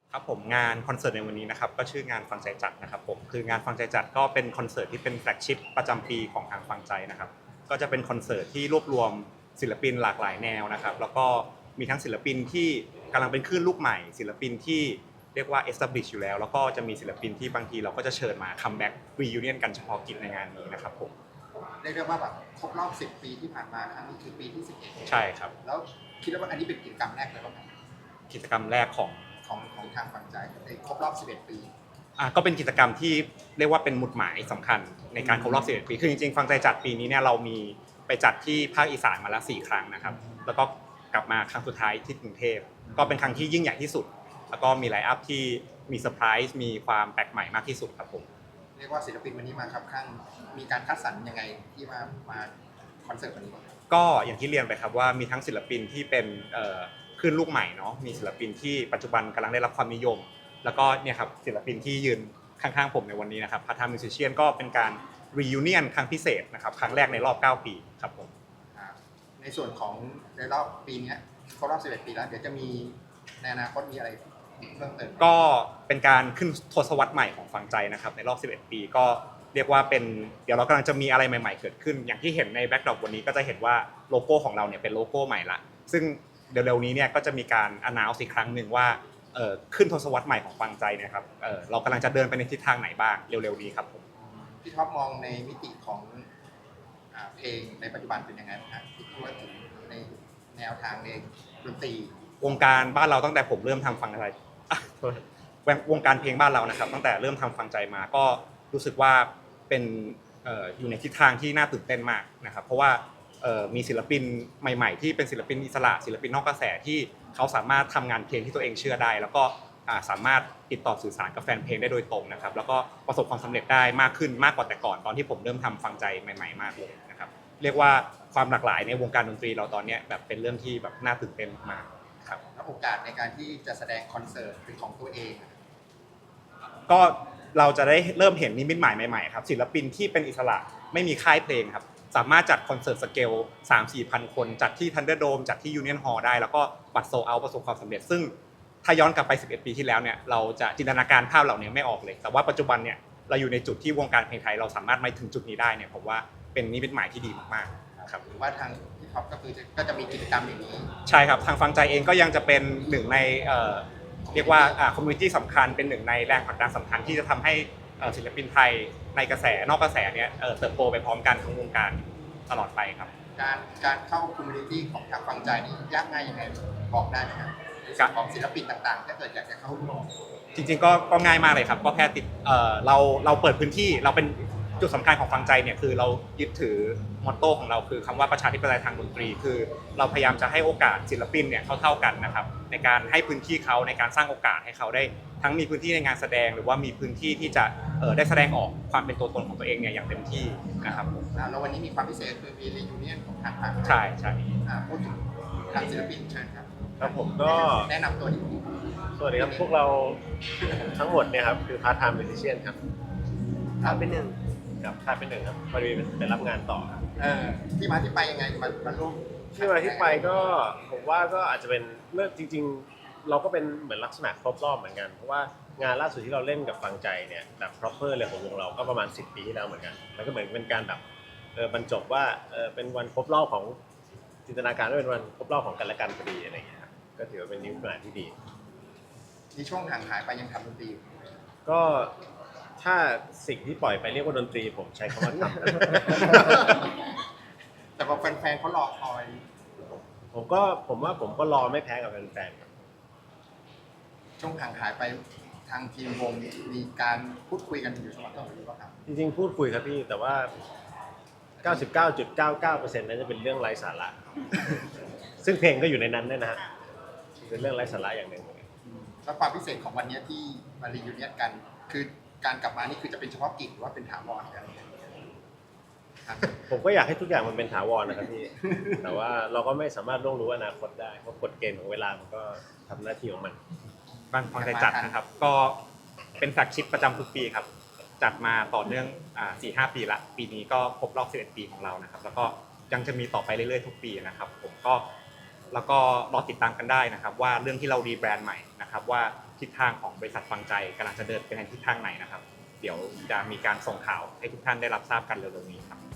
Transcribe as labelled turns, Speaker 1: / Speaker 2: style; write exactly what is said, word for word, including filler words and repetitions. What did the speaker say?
Speaker 1: ครับผมงานคอนเสิร์ตในวันนี้นะครับก็ชื่องานฟังใจจัดนะครับผมคืองานฟังใจจัดก็เป็นคอนเสิร์ตที่เป็นแฟลกชิพประจำปีของทางฟังใจนะครับก็จะเป็นคอนเสิร์ตที่รวบรวมศิลปินหลากหลายแนวนะครับแล้วก็มีทั้งศิลปินที่กำลังเป็นคลื่นลูกใหม่ศิลปินที่เรียกว่า establish อยู่แล้วแล้วก็จะมีศิลปินที่บางทีเราก็จะเชิญมาคัมแบ็กรียูเนียนกันเฉพาะกิจในงานนี้นะครับผม
Speaker 2: เรียกได้ว่าแบบครบรอบสิบปีที่ผ่านมาครั้งนี้คือปีที่สิบเอ็ด
Speaker 1: ใช่ครับ
Speaker 2: แล้วคิดว่าอันนี้เป็นกิจกรรมแรกเลยป่ะครับ
Speaker 1: กิจกรรมแรกของ
Speaker 2: ของของทางฝั่งใจในครบรอบสิบเอ็ดปี
Speaker 1: อ่ะก็เป็นกิจกรรมที่เรียกว่าเป็นหมุดหมายสำคัญในการครบรอบสิบเอ็ดปีคือจริงๆฟังใจจัดปีนี้เนี่ยเรามีไปจัดที่ภาคอีสานมาแล้วสี่ครั้งนะครับแล้วก็กลับมาครั้งสุดท้ายที่กรุงเทพก็เป็นครั้งที่ยิ่งใหญ่ที่สุดแล้วก็มีไลน์อัพที่มีเซอร์ไพรส์มีความแปลกใหม่มากที่สุดครับผม
Speaker 2: เรียกว่าศิลปินวันนี้มาครับข้างมีการคัดสรรยังไงที่มามาคอนเสิร์ตวันนี้บ้าง
Speaker 1: ก็อย่างที่เรียนไปครับว่ามีทั้งศิลปินที่เป็นคลื่นลูกใหม่เนาะมีศิลปินที่ปัจจุบันกำลังได้รับความนิยมแล้วก็เนี่ยครับศิลปินที่ยืนข้างๆผมในวันนี้นะครับพาร์ทไทม์มิวสิเชียนก็เป็นการรียูเนียนครั้งพิเศษนะครับครั้งแรกในรอบเก้าปีครับผม
Speaker 2: ในส่วนของในรอบปีนี้ครบรอบสิบเอ็ดปีแล้วเดี๋ยวจะมีในอนาคตมีอะไรเพิ่มเติม
Speaker 1: ก็เป็นการขึ้นทศวรรษใหม่ของฟังใจนะครับในรอบสิบเอ็ดปีก็เรียกว่าเป็นเดี๋ยวเรากำลังจะมีอะไรใหม่ๆเกิดขึ้นอย่างที่เห็นในแบ็คดรอปวันนี้ก็จะเห็นว่าโลโก้ของเราเนี่ยเป็นโลโก้ใหม่ละซึ่งเร็วๆนี้เนี่ยก็จะมีการ announce อีกครั้งหนึ่งว่าเอ่อขึ้นทศวรรษใหม่ของฟังใจนะครับเอ่อเรากำลังจะเดินไปในทิศทางไหนบ้างเร็วๆนี้ครับผม
Speaker 2: พี่ท็อปมองในมิติของเพลงในปัจจุบันเป็นยังไงบ้างครับที่ว่าถึงในแนวทางในดนตรี
Speaker 1: วงการบ้านเราตั้งแต่ผมเริ่มทำฟังอะไรวงการเพลงบ้านเรานะครับตั้งแต่เริ่มทำฟังใจมาก็รู้สึกว่าเป็นอยู่ในทิศทางที่น่าตื่นเต้นมากนะครับเพราะว่ามีศิลปินใหม่ๆที่เป็นศิลปินอิสระศิลปินนอกกระแสที่เขาสามารถทำงานเพลงที่ตัวเองเชื่อได้แล้วก็สามารถติดต่อสื่อสารกับแฟนเพลงได้โดยตรงนะครับแล้วก็ประสบความสำเร็จได้มากขึ้นมากกว่าแต่ก่อนตอนที่ผมเริ่มทำฟังใจใหม่ๆมากเลยนะครับเรียกว่าความหลากหลายในวงการดนตรีเราตอนนี้แบบเป็นเรื่องที่แบบน่าตื่นเต้นมากครับ
Speaker 2: แล้วโอกาสในการที่จะแสดงคอนเสิร์ตเป็นของตัวเอง
Speaker 1: ก็เราจะได้เริ่มเห็นนิมิตหมายใหม่ๆครับศิลปินที่เป็นอิสระไม่มีค่ายเพลงครับสามารถจัดคอนเสิร์ตสเกล สามถึงสี่พัน คนจัดที่ Thunderdome จัดที่ Union Hall ได้แล้วก็บัตรโซลด์เอาท์ประสบความสำเร็จซึ่งถ้าย้อนกลับไปสิบเอ็ดปีที่แล้วเนี่ยเราจะจินตนาการภาพเหล่านี้ไม่ออกเลยแต่ว่าปัจจุบันเนี่ยเราอยู่ในจุดที่วงการเพลงไทยเราสามารถมาถึงจุดนี้ได้เนี่ยผมว่าเป็นนิมิตหมายที่ดีมากๆครับ
Speaker 2: หรือว่าทางพี่ท็อปก็คือก็จะมีกิจกรรมอย่างนี้
Speaker 1: ใช่ครับทางฟังใจเองก็ยังจะเป็นหนึ่งในเรียกว่าคอมมูนิตี้สำคัญเป็นหนึ่งในแรงผลักดันสำคัญที่จะทำให้ศิลปินไทยในกระแสนอกกระแสเนี่ยเติบโตไปพร้อมกันทั้งวงการตลอดไปครับ
Speaker 2: การการเข้าคอมมูนิตี้ของทางฟังใจนี่ยากง่ายยังไงบอกได้ไหมครับของศิลปินต่างๆถ้าเกิดอยากจะเข้าร่วม
Speaker 1: จริงๆก็ก็ง่ายมากเลยครับก็แค่ติดเราเราเปิดพื้นที่เราเป็นจุดสำคัญของฟังใจเนี่ยคือเรายึดถือมอตโต้ของเราคือคำว่าประชาธิปไตยทางดนตรีคือเราพยายามจะให้โอกาสศิลปินเนี่ยเท่าๆกันนะครับในการให้พื้นที่เขาในการสร้างโอกาสให้เขาได้ทั้งมีพื้นที่ในงานแสดงหรือว่ามีพื้นที่ที่จะได้แสดงออกความเป็นตัวตนของตัวเองเนี่ยอย่างเต็มที่นะครับ
Speaker 2: แล้ววันนี้มีความพิเศษคือมีรียูเนียนของทางฝั่ง
Speaker 1: ใช่ใช่
Speaker 2: พูดถึงทางศิลปินเชิญครับ
Speaker 3: ครับผมก็
Speaker 2: แนะนำตัวนิดนึง
Speaker 3: สวัสดีครับพวกเราทั้งหมดเนี่ยครับคือพาร์ทไทม์มิวสิเชียนครับ
Speaker 2: พาร์ทเป็นหนึ่ง
Speaker 3: กับพาร์ทเป็นหนึ่งครับพอดีไปรับงานต่อครับ
Speaker 2: ที่มาที่ไปยังไงมามาร่วม
Speaker 3: ที่มาที่ไปก็ผมว่าก็อาจจะเป็นเมื่อจริงๆเราก็เป็นเหมือนลักษณะครบรอบเหมือนกันเพราะว่างานล่าสุดที่เราเล่นกับฟังใจเนี่ยแบบ proper เลยของวงเราก็ประมาณสิบปีที่แล้วเหมือนกันแล้วก็เหมือนเป็นการแบบเออบรรจบว่าเออเป็นวันครบรอบของจินตนาการว่าเป็นวันครบรอบของกันและกันพอดีอะไรอย่างเงี้ยครับก็ถือว่าเป็นนิวงานที่ดี
Speaker 2: ในช่วงห่างหายไปยังทำดนตรี
Speaker 3: ก็ถ้าสิ่งที่ปล่อยไปเรียกว่าดนตรีผมใช้คำว่าท
Speaker 2: ำแต่พอแฟนๆเขารอคอย
Speaker 3: ผมก็ผมว่าผมก็รอไม่แพ้กับแฟน
Speaker 2: ๆช่วงห่างหายไปทางทีมวงมีการพูดคุยกันอยู่เสมอต้นหรือเปล่าครับ
Speaker 3: จริงๆพูดคุยครับพี่แต่ว่า เก้าสิบเก้าจุดเก้าเก้าเปอร์เซ็นต์ นั้นจะเป็นเรื่องไร้สาระซึ่งเพลงก็อยู่ในนั้นด้วยนะฮะเป็นเรื่องไร้สาระอย่างหนึ่ง
Speaker 2: แล้วความพิเศษของวันนี้ที่มารียูเนียนกันคือการกลับมานี่คือจะเป็นเฉพาะกิจหรือว่าเป็นถาวรกัน
Speaker 3: ผมก็อยากให้ทุกอย่างมันเป็นถาวรนะครับพี่แต่ว่าเราก็ไม่สามารถล่วงรู้อนาคตได้เพราะกฎเกณฑ์ของเวลามันก็ทำหน้าที่ของมัน
Speaker 1: บ้านฟังใจจัดนะครับก็เป็นแฟลกชิพประจำทุกปีครับจัดมาต่อเนื่อง สี่ห้า ปีละปีนี้ก็ครบรอบสิบเอ็ดปีของเรานะครับแล้วก็ยังจะมีต่อไปเรื่อยๆทุกปีนะครับผมก็แล้วก็รอติดตามกันได้นะครับว่าเรื่องที่เรารีแบรนด์ใหม่นะครับว่าทิศทางของบริษัทฟังใจกำลังจะเดินไปในทิศทางไหนนะครับ เดี๋ยวจะมีการส่งข่าวให้ทุกท่านได้รับทราบกันเร็วๆนี้ครับ